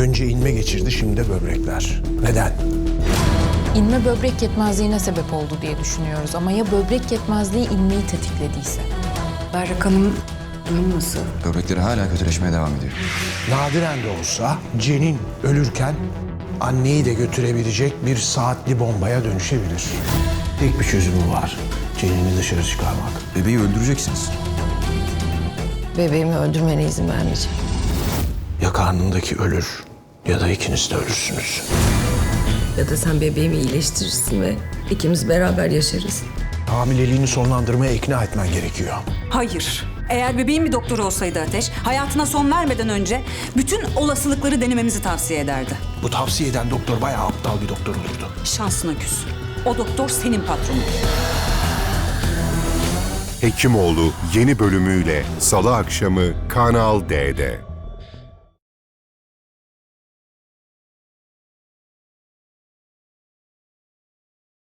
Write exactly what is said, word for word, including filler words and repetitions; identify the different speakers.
Speaker 1: Önce inme geçirdi, şimdi de böbrekler. Neden?
Speaker 2: İnme böbrek yetmezliğine sebep oldu diye düşünüyoruz ama ya böbrek yetmezliği inmeyi tetiklediyse?
Speaker 3: Berrak Hanım durum nasıl?
Speaker 4: Böbrekleri hala kötüleşmeye devam ediyor.
Speaker 1: Nadiren de olsa Cenin ölürken anneyi de götürebilecek bir saatli bombaya dönüşebilir. Tek bir çözümü var. Cenin'i dışarı çıkarmak.
Speaker 4: Bebeği öldüreceksiniz.
Speaker 5: Bebeğimi öldürmene izin vermeyeceğim.
Speaker 1: Ya karnındaki ölür ya da ikiniz de ölürsünüz.
Speaker 5: Ya da sen bebeğimi iyileştirirsin ve ikimiz beraber yaşarız.
Speaker 1: Hamileliğini sonlandırmaya ikna etmen gerekiyor.
Speaker 3: Hayır. Eğer bebeğin bir doktoru olsaydı Ateş, hayatına son vermeden önce bütün olasılıkları denememizi tavsiye ederdi.
Speaker 1: Bu tavsiye eden doktor bayağı aptal bir doktor olurdu.
Speaker 3: Şansına küs. O doktor senin patronun.
Speaker 6: Hekimoğlu yeni bölümüyle Salı akşamı Kanal D'de.